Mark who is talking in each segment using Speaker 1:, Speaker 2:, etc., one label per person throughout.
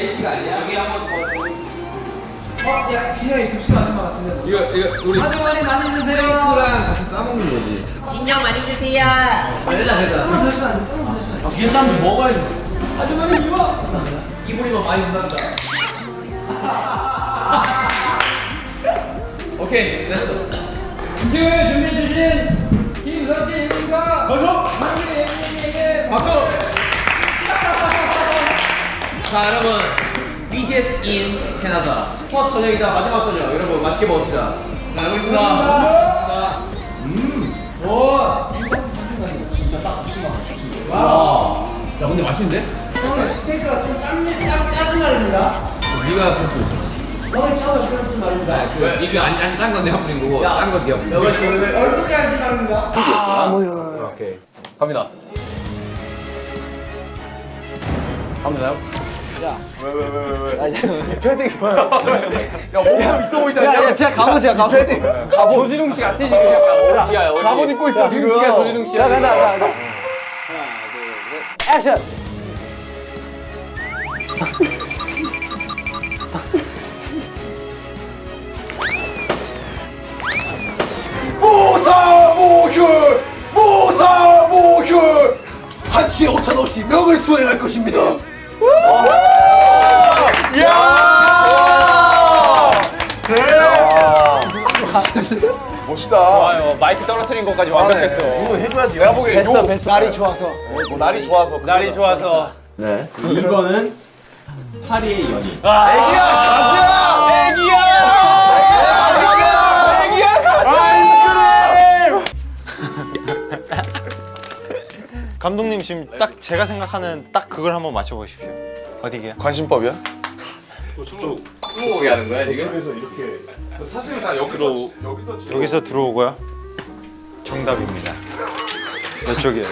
Speaker 1: 4시가 아니야?
Speaker 2: 여기 한번 더.
Speaker 1: 야, 진영이 급식 맞는 것 같은데. 이거 우리 하주머니 많이 주세요. 랑 같이 싸먹는 거지.
Speaker 2: 진영 많이 주세요.
Speaker 1: 됐다. 뒤에 사람들 먹어야지. 하주머니 이거.
Speaker 2: 이불이면 많이 준단다. 오케이, 됐어.
Speaker 1: 음식을 준비해주신 김석진님과 박수! 박수!
Speaker 2: 자, 여러분. BTS in 캐나다. 첫 저녁이자 마지막 저녁. 여러분, 맛있게 먹읍시다. 자, 먹겠습니다.
Speaker 1: 오!
Speaker 2: 와.
Speaker 1: 야, 근데 맛있는데? 형님, 스테이크가 좀 짜증 말입니다.
Speaker 2: 네가 그렇고.
Speaker 1: 형이 처음에 그런 말입니다.
Speaker 2: 왜? 이게 딴 건데 한 분인 거고. 딴거 네가.
Speaker 1: 여기 지금 얼굴 짜증 말입니다.
Speaker 2: 뭐야. 오케이. 갑니다. 갑니다요?
Speaker 3: 패딩. 야, 몸도 있어 보이지 않냐?
Speaker 1: 야, 진짜 갑옷이야, 갑옷.
Speaker 3: 패딩. 갑옷.
Speaker 1: 조진웅 씨 같아, 지금 약간. 옷이야, 옷이.
Speaker 3: 갑옷 입고 있어, 지금.
Speaker 1: 지금 조진웅 씨야. 간다. 하나, 둘, 셋. 액션!
Speaker 3: 모사모휴 한치의 오찬 없이 명을 수행할 것입니다. 이야! 그래! 멋있다.
Speaker 1: 좋아요. 마이크 떨어뜨린 것까지 완벽했어.
Speaker 3: 이거 해줘야지. 내가 보기엔
Speaker 1: 됐어. 날이 좋아서.
Speaker 3: 뭐 날이 좋아서.
Speaker 1: 날이 좋아서.
Speaker 2: 네.
Speaker 4: 이거는 파리의 연인.
Speaker 3: 애기야 가자!
Speaker 1: 애기야! 애기야!
Speaker 5: 감독님 지금 딱 제가 생각하는 딱 그걸 한번 맞춰보십시오. 어디게요?
Speaker 3: 관심법이야?
Speaker 2: 스무고개 하는 거야, 지금?
Speaker 3: 그래서 이렇게 사실은 다 여기서
Speaker 5: 여기서 들어오고요. 정답입니다. 이쪽이에요.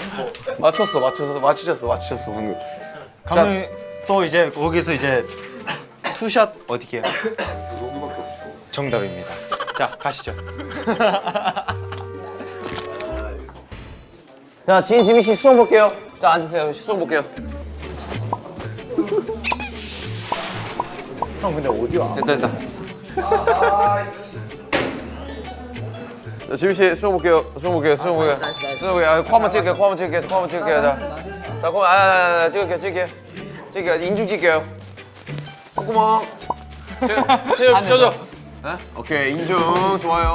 Speaker 3: 맞히셨어 방금.
Speaker 5: 감독님 또 이제 거기서 이제 투샷 어디게요? 정답입니다. 자 가시죠.
Speaker 2: 자, 지민 씨 수업 볼게요. 자, 앉으세요. 수업 볼게요.
Speaker 5: 형 근데 어디야?
Speaker 2: 됐다. 자, 지민 씨 수업 볼게요. 수업 볼게요. 아, 코 한번 찍을게요. 자, 그럼 찍을게요. 인중 찍게요. 콧구멍. 체육 쪄줘. 오케이, 인중 좋아요.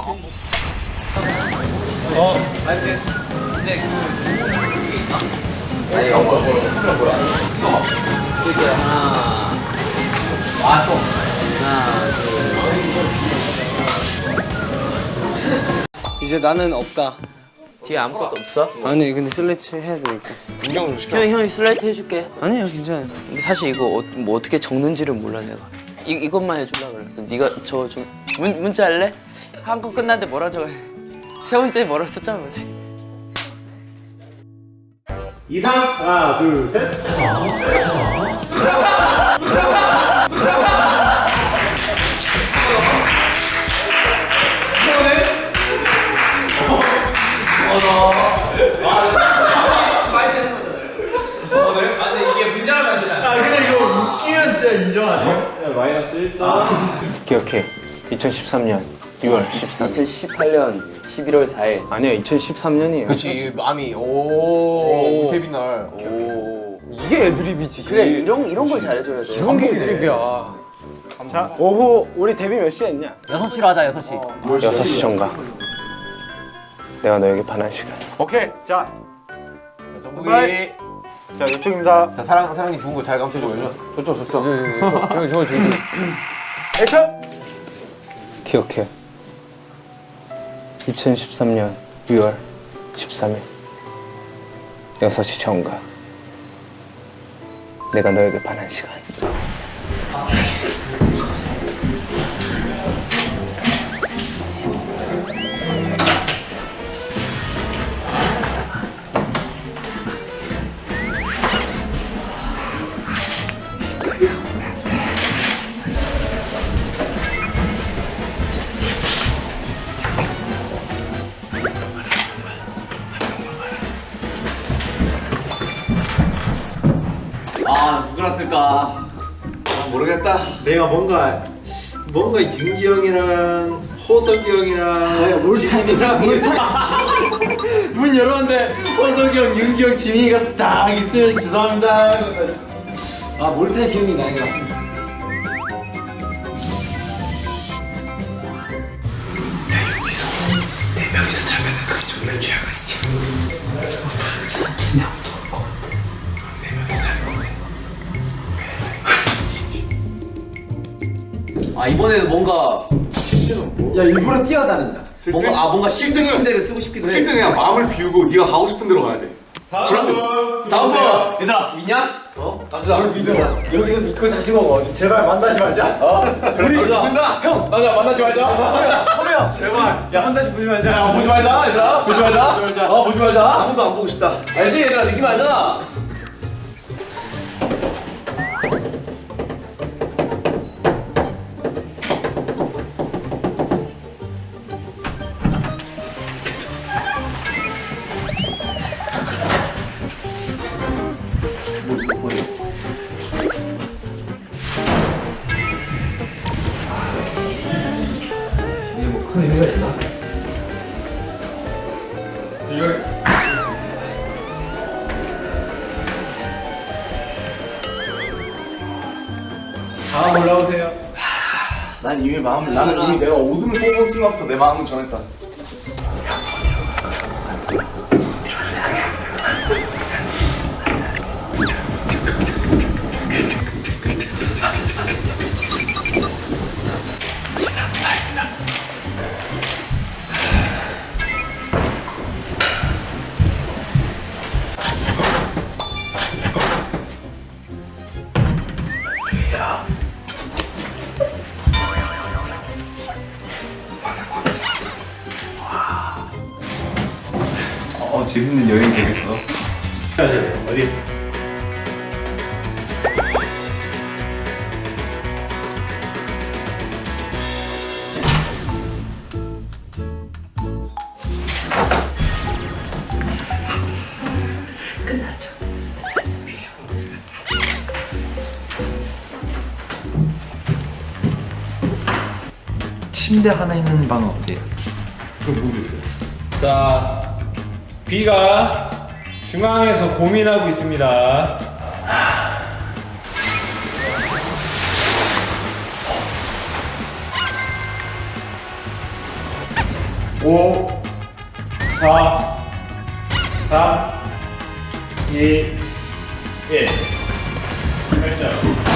Speaker 2: 아니, 뭐야. 찍을게요. 하나, 또.
Speaker 4: 이제 나는 없다.
Speaker 2: 뒤에 아무것도 없어?
Speaker 4: 아니 근데 슬래치 해야 되니까.
Speaker 3: 인경 좀 시켜.
Speaker 2: 형이 슬라이드 해줄게.
Speaker 4: 아니요 괜찮아요.
Speaker 2: 근데 사실 이거 뭐 어떻게 적는지를 몰라 내가. 이것만 해주려고 그랬어. 네가 저 좀 문자 할래? 한 거 끝났는데 뭐라 적어? 세 번째 뭐라 썼잖아 뭐지?
Speaker 4: 기억해. 2013년 6월 13일. 2018년 11월 4일. 아니요 2013년이에요.
Speaker 2: 그렇지 마음이 오 데뷔 날. 오 이게 애드립이지. 그래 이런 걸 잘해줘야 돼.
Speaker 1: 이런 게 애드립이야.
Speaker 4: 자 오후 우리 데뷔 몇 시에 했냐?
Speaker 1: 6시로 하자, 6시.
Speaker 4: 6시 전가. 내가 너에게 반한 시간.
Speaker 5: 오케이 자,
Speaker 2: 정국이.
Speaker 5: 자 이쪽입니다.
Speaker 2: 자 사랑님 부은 거 잘 감춰줘요.
Speaker 1: 저쪽. 저기.
Speaker 5: 액션.
Speaker 4: 기억해. 2013년 6월 13일 6시 전가. 내가 너에게 반한 시간.
Speaker 2: 아 누구라 쓸까?
Speaker 3: 모르겠다.
Speaker 5: 내가 뭔가 윤기 형이랑 호석이 형이랑 지민이랑 문 열었는데 호석이 형, 윤기 형, 지민이가 딱 있으면 죄송합니다.
Speaker 1: 아 몰타의 기억이 나는 것 같습니다.
Speaker 3: 아 이번에는 뭔가
Speaker 1: 야 일부러 뛰어다닌다.
Speaker 3: 뭔가 실등 침대를 쓰고 싶기도 해. 실등 그냥 마음을 비우고 네가 가고 싶은 대로 가야 돼. 다음 분. 얘들아 믿냐? 나를 믿어.
Speaker 1: 여기서 믿고 다시 먹어.
Speaker 5: 제발 만나지 말자.
Speaker 3: 그래 믿는다.
Speaker 1: 형 맞아 만나지 말자. 허명
Speaker 3: 제발.
Speaker 1: 야 한 달씩 보지 말자.
Speaker 3: 야 보지 말자 얘들아. 보지 말자. 보지 말자. 아무도 안 보고 싶다.
Speaker 1: 알지 얘들아 느낌 알잖아. 이게 뭐 큰 의미가 있나? 다음 올라오세요.
Speaker 3: 나는 이미 내가 오줌을 뽑은 순간부터 내 마음은 정했다. 재밌는 여행 되겠어.
Speaker 5: 어디?
Speaker 6: 침대 하나 있는 방은 어때요?
Speaker 7: 자, B가 중앙에서 고민하고 있습니다. 오, 4, 3, 2, 1. 결정.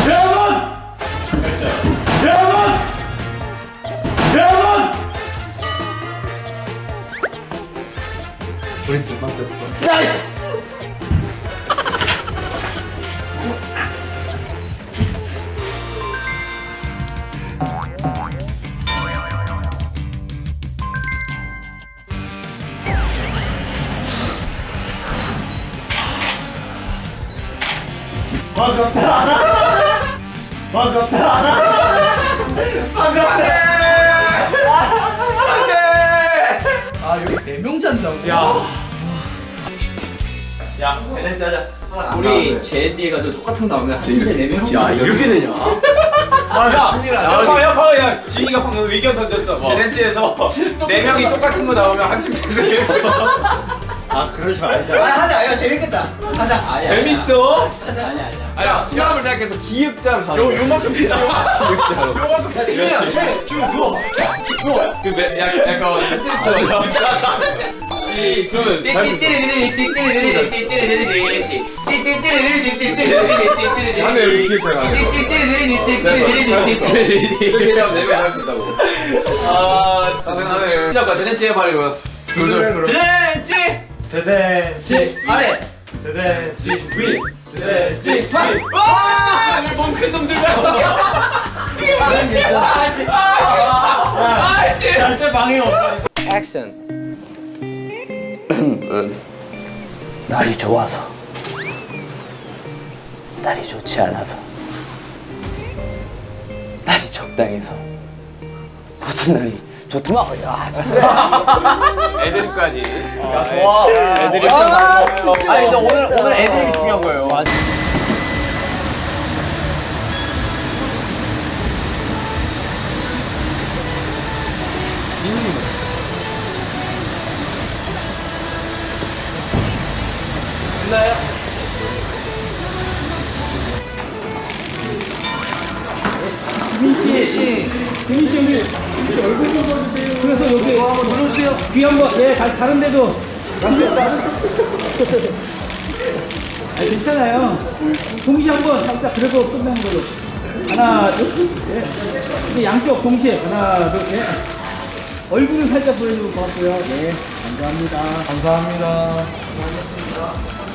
Speaker 1: 아 여기 4명잔다.
Speaker 2: 야, 밸런스 하자. 우리 제디 해가지고 똑같은 거 나오면 한 침대 4명.
Speaker 3: 야 이렇게 되냐?
Speaker 2: 야, 지희가 방금 의견 던졌어. 밸런스에서 4명이 똑같은 거 나오면 한 침대에서 4명.
Speaker 5: 아 그러지 말자.
Speaker 1: 하자. 야 재밌겠다. 하자.
Speaker 2: 재밌어?
Speaker 1: 아니야.
Speaker 3: 아니야 수납을 생각해서 기획자로 가는 거야.
Speaker 2: 요만큼 비싸. 요만큼 비싸.
Speaker 1: 지민아, 지금 누워.
Speaker 3: 약간 테트리스처럼. 그러면 다음에 여기 기획자 가는 거. 이렇게 하면 내가 할 수 있다고. 아 가능하네. 시작과 대댄지 해봐 이거.
Speaker 2: 드렌치!
Speaker 5: 대댄지
Speaker 2: 아래!
Speaker 5: 대댄지 위 대댄지
Speaker 2: 와! 몸큰 놈들과
Speaker 5: 절대 방해 없어.
Speaker 2: 액션. 날이 좋아서, 날이 좋지 않아서, 날이 적당해서 모든 날이 좋더만. 야,
Speaker 3: 애드립까지.
Speaker 2: 야, 좋아.
Speaker 3: 애드립. 아니 근데 오늘 애드립이 중요한 거예요.
Speaker 1: 됐나요?
Speaker 8: 그래서 여기 한번 눌러주세요. 귀 한번, 예, 다른 데도. 아, 괜찮아요. 동시에 한번 살짝 그래도 끝나는 걸로. 하나, 둘, 예. 이제 양쪽 동시에. 하나, 둘, 예. 얼굴을 살짝 보여주고 고맙고요. 네, 감사합니다.
Speaker 1: 감사합니다.